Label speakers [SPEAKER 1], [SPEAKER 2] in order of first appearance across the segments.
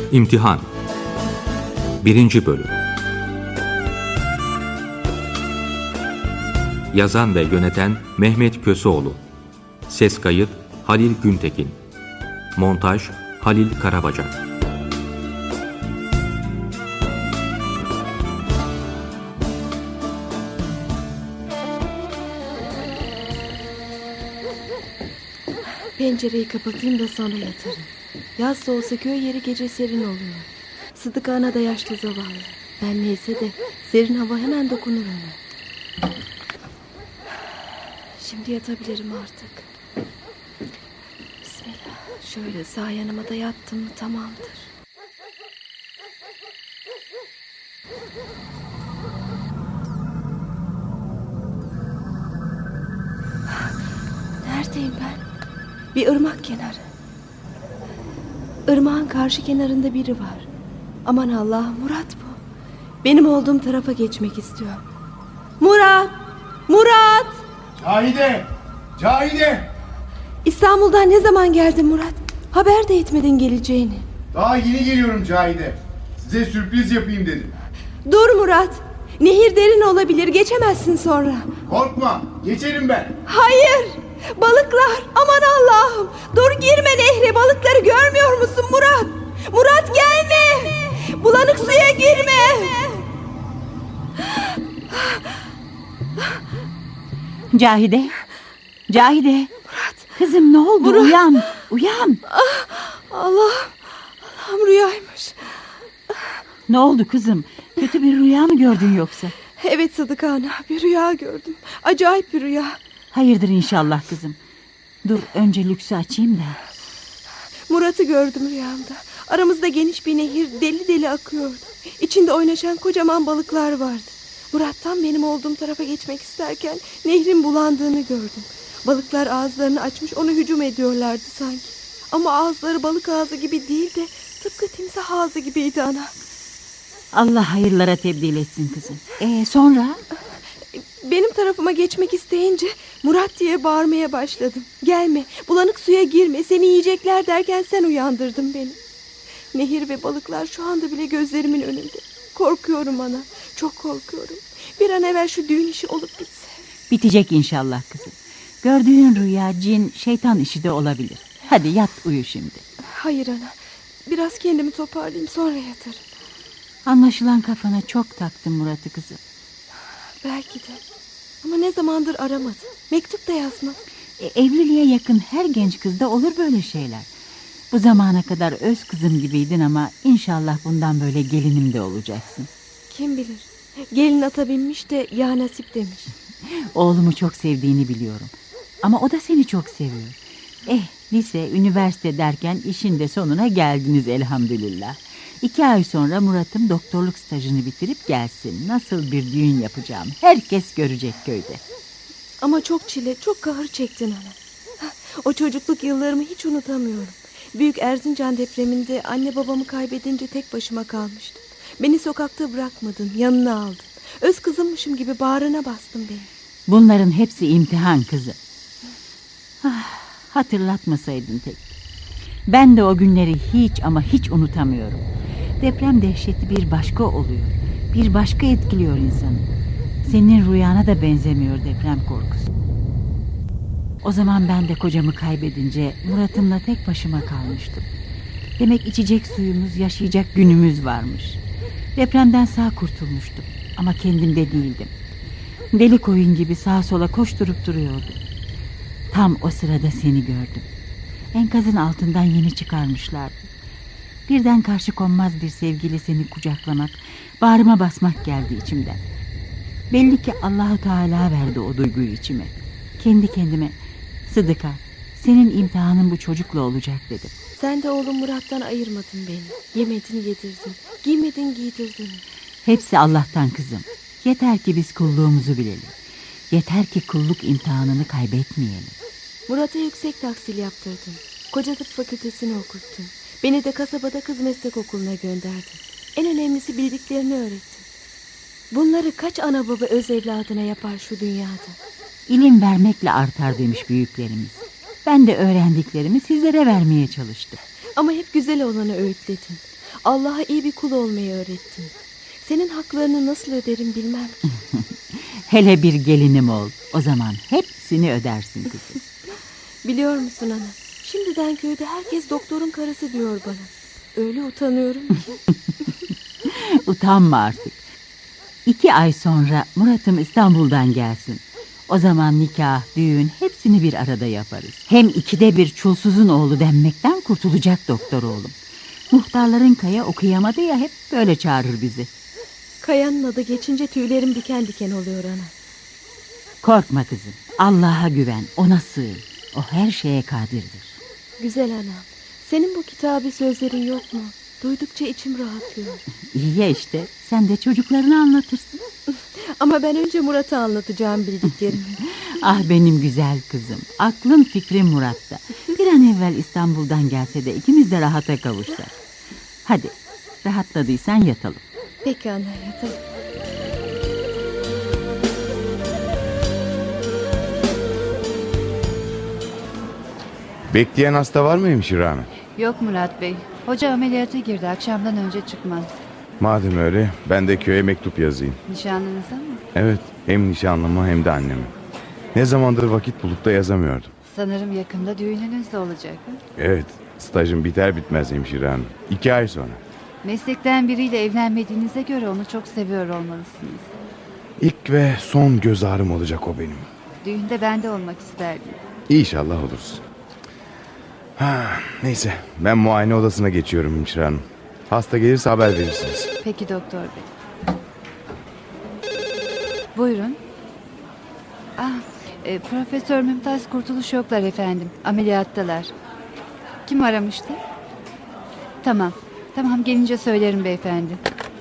[SPEAKER 1] İmtihan 1. Bölüm. Yazan ve yöneten Mehmet Köseoğlu. Ses kayıt Halil Güntekin. Montaj Halil Karabacak.
[SPEAKER 2] Pencereyi kapatayım da sonra yatarım. Yaz da olsa köy yeri gece serin oluyor. Sıdık ana da yaşlı zavallı. Ben neyse de serin hava hemen dokunur ona. Şimdi yatabilirim artık. Bismillah. Şöyle sağ yanıma da yattım mı tamamdır. Neredeyim ben? Bir ırmak kenarı. Irmağın karşı kenarında biri var. Aman Allah'ım, Murat bu. Benim olduğum tarafa geçmek istiyor. Murat! Murat!
[SPEAKER 3] Cahide! Cahide!
[SPEAKER 2] İstanbul'dan ne zaman geldin Murat? Haber de etmedin geleceğini.
[SPEAKER 3] Daha yeni geliyorum Cahide. Size sürpriz yapayım dedim.
[SPEAKER 2] Dur Murat! Nehir derin olabilir, geçemezsin sonra.
[SPEAKER 3] Korkma, geçerim ben.
[SPEAKER 2] Hayır! Balıklar! Aman Allah'ım! Dur, girme nehre, balıkları görmüyor musun Murat? Murat gelme! Bulanık suya girme!
[SPEAKER 4] Cahide! Cahide!
[SPEAKER 2] Murat!
[SPEAKER 4] Kızım ne oldu?
[SPEAKER 2] Murat!
[SPEAKER 4] Uyan! Uyan!
[SPEAKER 2] Allah'ım rüyaymış.
[SPEAKER 4] Ne oldu kızım? Kötü bir rüya mı gördün yoksa?
[SPEAKER 2] Evet Sıdık ana, bir rüya gördüm. Acayip bir rüya.
[SPEAKER 4] Hayırdır inşallah kızım. Dur önce lüksü açayım da.
[SPEAKER 2] Murat'ı gördüm rüyamda. Aramızda geniş bir nehir deli deli akıyordu. İçinde oynaşan kocaman balıklar vardı. Murat tam benim olduğum tarafa geçmek isterken nehrin bulandığını gördüm. Balıklar ağızlarını açmış ona hücum ediyorlardı sanki. Ama ağızları balık ağzı gibi değil de tıpkı timsah ağzı gibiydi ana.
[SPEAKER 4] Allah hayırlara tebdil etsin kızım. Sonra?
[SPEAKER 2] Benim tarafıma geçmek isteyince Murat diye bağırmaya başladım. Gelme, bulanık suya girme, seni yiyecekler derken sen uyandırdın beni. Nehir ve balıklar şu anda bile gözlerimin önünde. Korkuyorum ana, çok korkuyorum. Bir an evvel şu düğün işi olup bitse.
[SPEAKER 4] Bitecek inşallah kızım. Gördüğün rüya cin, şeytan işi de olabilir. Hadi yat uyu şimdi.
[SPEAKER 2] Hayır ana, biraz kendimi toparlayayım sonra yatarım.
[SPEAKER 4] Anlaşılan kafana çok taktın Murat'ı kızım.
[SPEAKER 2] Belki de. Ama ne zamandır aramadı. Mektup da yazmadı.
[SPEAKER 4] Evliliğe yakın her genç kızda olur böyle şeyler. Bu zamana kadar öz kızım gibiydin ama inşallah bundan böyle gelinim de olacaksın.
[SPEAKER 2] Kim bilir. Gelin ata binmiş de ya nasip demiş.
[SPEAKER 4] Oğlumu çok sevdiğini biliyorum. Ama o da seni çok seviyor. Lise, üniversite derken işin de sonuna geldiniz elhamdülillah. 2 ay sonra Murat'ım doktorluk stajını bitirip gelsin. Nasıl bir düğün yapacağım herkes görecek köyde.
[SPEAKER 2] Ama çok çile, çok kahır çektin ana. O çocukluk yıllarımı hiç unutamıyorum. Büyük Erzincan depreminde anne babamı kaybedince tek başıma kalmıştım. Beni sokakta bırakmadın, yanına aldın. Öz kızımmışım gibi bağrına bastın beni.
[SPEAKER 4] Bunların hepsi imtihan kızım. Hatırlatmasaydın tek. Ben de o günleri hiç ama hiç unutamıyorum. Deprem dehşeti bir başka oluyor. Bir başka etkiliyor insanı. Senin rüyana da benzemiyor deprem korkusu. O zaman ben de kocamı kaybedince Murat'ımla tek başıma kalmıştım. Demek içecek suyumuz, yaşayacak günümüz varmış. Depremden sağ kurtulmuştum ama kendimde değildim. Deli koyun gibi sağa sola koşturup duruyordum. Tam o sırada seni gördüm. Enkazın altından yeni çıkarmışlardı. Birden karşı konmaz bir sevgiyle seni kucaklamak, bağrıma basmak geldi içimden. Belli ki Allahu Teala verdi o duyguyu içime. Kendi kendime, Sıdıka, senin imtihanın bu çocukla olacak dedim.
[SPEAKER 2] Sen de oğlum Murat'tan ayırmadın beni. Yemedin yedirdin, giymedin giydirdin.
[SPEAKER 4] Hepsi Allah'tan kızım. Yeter ki biz kulluğumuzu bilelim. Yeter ki kulluk imtihanını kaybetmeyelim.
[SPEAKER 2] Murat'a yüksek tahsil yaptırdın. Koca tıp fakültesini okuttun. Beni de kasabada kız meslek okuluna gönderdin. En önemlisi bildiklerini öğrettin. Bunları kaç ana baba öz evladına yapar şu dünyada?
[SPEAKER 4] İlim vermekle artar demiş büyüklerimiz. Ben de öğrendiklerimi sizlere vermeye çalıştım.
[SPEAKER 2] Ama hep güzel olanı öğütledin. Allah'a iyi bir kul olmayı öğrettin. Senin haklarını nasıl öderim bilmem ki.
[SPEAKER 4] Hele bir gelinim ol. O zaman hepsini ödersin kızım.
[SPEAKER 2] Biliyor musun ana? Şimdiden köyde herkes doktorun karısı diyor bana. Öyle utanıyorum ki.
[SPEAKER 4] Utanma artık. 2 ay sonra Murat'ım İstanbul'dan gelsin. O zaman nikah, düğün hepsini bir arada yaparız. Hem 2'de 1 çulsuzun oğlu denmekten kurtulacak doktor oğlum. Muhtarların Kaya okuyamadı ya, hep böyle çağırır bizi.
[SPEAKER 2] Kaya'nın adı geçince tüylerim diken diken oluyor ana.
[SPEAKER 4] Korkma kızım. Allah'a güven, ona sığın. O her şeye kadirdir.
[SPEAKER 2] Güzel anam. Senin bu kitabı sözlerin yok mu? Duydukça içim rahatlıyor.
[SPEAKER 4] İyi ya işte. Sen de çocuklarına anlatırsın.
[SPEAKER 2] Ama ben önce Murat'a anlatacağım bildiklerimi.
[SPEAKER 4] Ah benim güzel kızım. Aklın fikrin Murat'ta. Bir an evvel İstanbul'dan gelse de ikimiz de rahata kavuşsak. Hadi rahatladıysan yatalım.
[SPEAKER 2] Peki ana, yatalım.
[SPEAKER 5] Bekleyen hasta var mı hemşire hanım?
[SPEAKER 6] Yok Murat Bey. Hoca ameliyata girdi. Akşamdan önce çıkmaz.
[SPEAKER 5] Madem öyle ben de köye mektup yazayım.
[SPEAKER 6] Nişanlınıza mı?
[SPEAKER 5] Evet, hem nişanlıma hem de anneme. Ne zamandır vakit bulup da yazamıyordum.
[SPEAKER 6] Sanırım yakında düğününüz de olacak. Ha?
[SPEAKER 5] Evet, stajım biter bitmez hemşire hanım. 2 ay sonra.
[SPEAKER 6] Meslekten biriyle evlenmediğinize göre onu çok seviyor olmalısınız.
[SPEAKER 5] İlk ve son göz ağrım olacak o benim.
[SPEAKER 6] Düğünde ben de olmak isterdim.
[SPEAKER 5] İnşallah oluruz. Neyse, ben muayene odasına geçiyorum hemşire hanım. Hasta gelirse haber verirsiniz.
[SPEAKER 6] Peki doktor bey. Buyurun. Profesör Mümtaz Kurtuluş yoklar efendim. Ameliyattalar. Kim aramıştı? Tamam. Tamam, gelince söylerim beyefendi.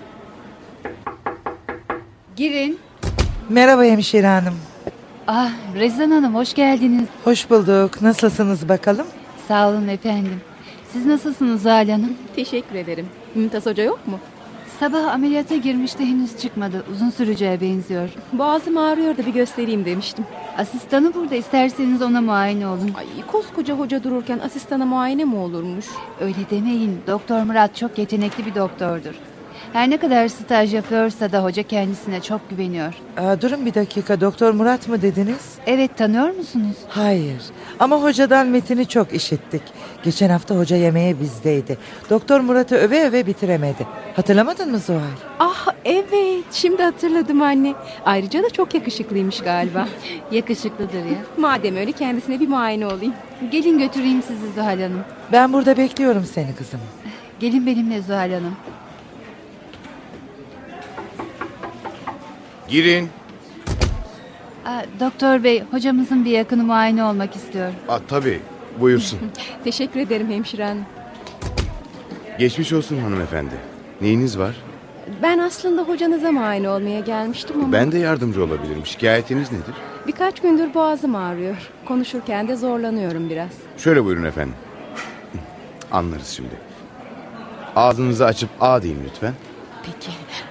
[SPEAKER 6] Girin.
[SPEAKER 7] Merhaba hemşire hanım.
[SPEAKER 6] Rezan Hanım, hoş geldiniz.
[SPEAKER 7] Hoş bulduk. Nasılsınız bakalım?
[SPEAKER 6] Sağ olun efendim. Siz nasılsınız Zuhal Hanım?
[SPEAKER 2] Teşekkür ederim. Mümtaz Hoca yok mu?
[SPEAKER 6] Sabah ameliyata girmişti, henüz çıkmadı. Uzun süreceğe benziyor.
[SPEAKER 2] Boğazım ağrıyor da bir göstereyim demiştim.
[SPEAKER 6] Asistanı burada, isterseniz ona muayene olun.
[SPEAKER 2] Ay, koskoca hoca dururken asistana muayene mi olurmuş?
[SPEAKER 6] Öyle demeyin. Doktor Murat çok yetenekli bir doktordur. Her ne kadar staj yapıyorsa da hoca kendisine çok güveniyor.
[SPEAKER 7] Durun bir dakika. Doktor Murat mı dediniz?
[SPEAKER 6] Evet, tanıyor musunuz?
[SPEAKER 7] Hayır. Ama hocadan metini çok işittik. Geçen hafta hoca yemeğe bizdeydi. Doktor Murat'ı öve öve bitiremedi. Hatırlamadın mı Zuhal?
[SPEAKER 2] Ah evet, şimdi hatırladım anne. Ayrıca da çok yakışıklıymış galiba.
[SPEAKER 6] Yakışıklıdır ya.
[SPEAKER 2] Madem öyle kendisine bir muayene olayım.
[SPEAKER 6] Gelin götüreyim sizi Zuhal Hanım.
[SPEAKER 7] Ben burada bekliyorum seni kızım.
[SPEAKER 6] Gelin benimle Zuhal Hanım.
[SPEAKER 5] Girin.
[SPEAKER 6] Doktor bey, hocamızın bir yakını muayene olmak istiyor.
[SPEAKER 5] Tabii, buyursun.
[SPEAKER 2] Teşekkür ederim hemşire hanım.
[SPEAKER 5] Geçmiş olsun hanımefendi. Neyiniz var?
[SPEAKER 2] Ben aslında hocanıza muayene olmaya gelmiştim ama...
[SPEAKER 5] Ben de yardımcı olabilirim. Şikayetiniz nedir?
[SPEAKER 2] Birkaç gündür boğazım ağrıyor. Konuşurken de zorlanıyorum biraz.
[SPEAKER 5] Şöyle buyurun efendim. Anlarız şimdi. Ağzınızı açıp A deyin lütfen.
[SPEAKER 2] Peki.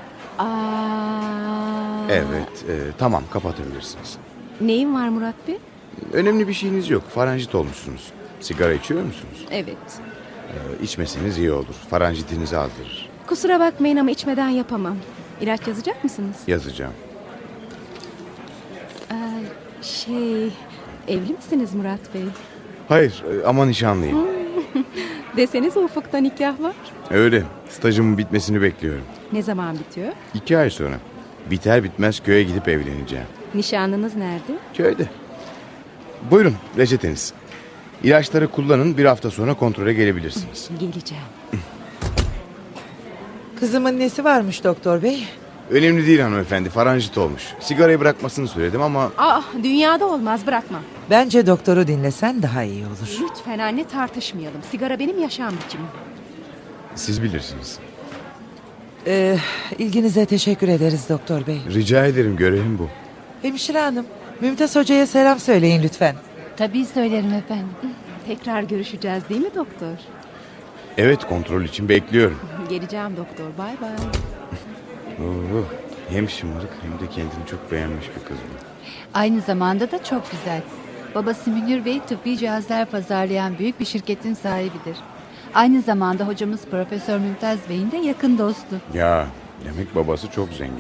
[SPEAKER 5] Evet, tamam kapatabilirsiniz.
[SPEAKER 2] Neyin var Murat Bey?
[SPEAKER 5] Önemli bir şeyiniz yok. Faranjit olmuşsunuz. Sigara içiyor musunuz?
[SPEAKER 2] Evet.
[SPEAKER 5] İçmeseniz iyi olur. Faranjitinizi aldırır.
[SPEAKER 2] Kusura bakmayın ama içmeden yapamam. İlaç yazacak mısınız?
[SPEAKER 5] Yazacağım.
[SPEAKER 2] Evli misiniz Murat Bey?
[SPEAKER 5] Hayır, ama nişanlıyım.
[SPEAKER 2] Desenize ufukta nikah var.
[SPEAKER 5] Öyle. Stajımın bitmesini bekliyorum.
[SPEAKER 2] Ne zaman bitiyor?
[SPEAKER 5] 2 ay sonra. Biter bitmez köye gidip evleneceğim.
[SPEAKER 2] Nişanlınız nerede?
[SPEAKER 5] Köyde. Buyurun reçeteniz. İlaçları kullanın, bir hafta sonra kontrole gelebilirsiniz.
[SPEAKER 2] Geleceğim.
[SPEAKER 7] Kızımın nesi varmış doktor bey?
[SPEAKER 5] Önemli değil hanımefendi, faranjit olmuş. Sigarayı bırakmasını söyledim ama...
[SPEAKER 2] Dünyada olmaz, bırakmam.
[SPEAKER 7] Bence doktoru dinlesen daha iyi olur.
[SPEAKER 2] Lütfen anne, tartışmayalım. Sigara benim yaşam biçimim.
[SPEAKER 5] Siz bilirsiniz.
[SPEAKER 7] İlginize teşekkür ederiz doktor bey.
[SPEAKER 5] Rica ederim, görevim bu.
[SPEAKER 7] Hemşire hanım, Mümtaz Hoca'ya selam söyleyin lütfen.
[SPEAKER 6] Tabii söylerim efendim.
[SPEAKER 2] Tekrar görüşeceğiz değil mi doktor?
[SPEAKER 5] Evet, kontrol için bekliyorum.
[SPEAKER 2] Geleceğim doktor, bay bay.
[SPEAKER 5] Hem şımarık hem de kendini çok beğenmiş bir kız bu.
[SPEAKER 6] Aynı zamanda da çok güzel. Babası Münir Bey tıbbi cihazlar pazarlayan büyük bir şirketin sahibidir. Aynı zamanda hocamız Profesör Mümtaz Bey'in de yakın dostu.
[SPEAKER 5] Ya demek babası çok zengin.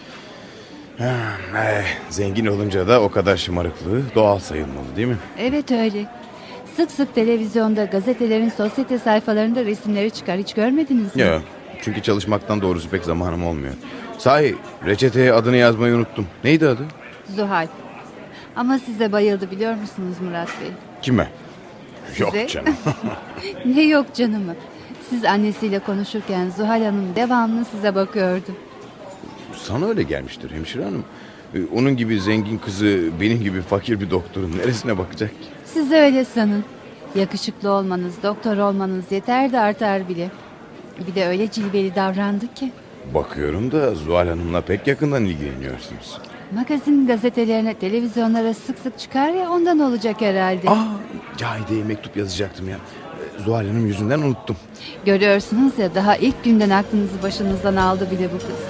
[SPEAKER 5] Zengin olunca da o kadar şımarıklığı doğal sayılmalı değil mi?
[SPEAKER 6] Evet öyle. Sık sık televizyonda, gazetelerin sosyete sayfalarında resimleri çıkar. Hiç görmediniz mi?
[SPEAKER 5] Ya çünkü çalışmaktan doğrusu pek zamanım olmuyor. Sahi reçeteye adını yazmayı unuttum. Neydi adı?
[SPEAKER 6] Zuhal. Ama size bayıldı biliyor musunuz Murat Bey?
[SPEAKER 5] Kime?
[SPEAKER 6] Size?
[SPEAKER 5] Yok canım.
[SPEAKER 6] Ne yok canımı. Siz annesiyle konuşurken Zuhal Hanım devamlı size bakıyordu.
[SPEAKER 5] Sana öyle gelmiştir hemşire hanım. Onun gibi zengin kızı benim gibi fakir bir doktorun neresine bakacak ki?
[SPEAKER 6] Siz de öyle sanın. Yakışıklı olmanız, doktor olmanız yeter de artar bile. Bir de öyle cilveli davrandı ki.
[SPEAKER 5] Bakıyorum da Zuhal Hanım'la pek yakından ilgileniyorsunuz.
[SPEAKER 6] Magazin gazetelerine, televizyonlara sık sık çıkar ya, ondan olacak herhalde.
[SPEAKER 5] Cahide'ye mektup yazacaktım ya. Zuhal Hanım yüzünden unuttum.
[SPEAKER 6] Görüyorsunuz ya, daha ilk günden aklınızı başınızdan aldı bile bu kız.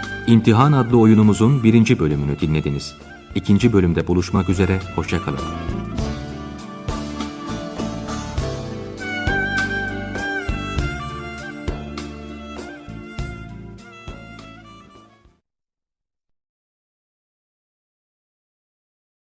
[SPEAKER 1] İmtihan adlı oyunumuzun 1. bölümünü dinlediniz. 2. bölümde buluşmak üzere, hoşça kalın.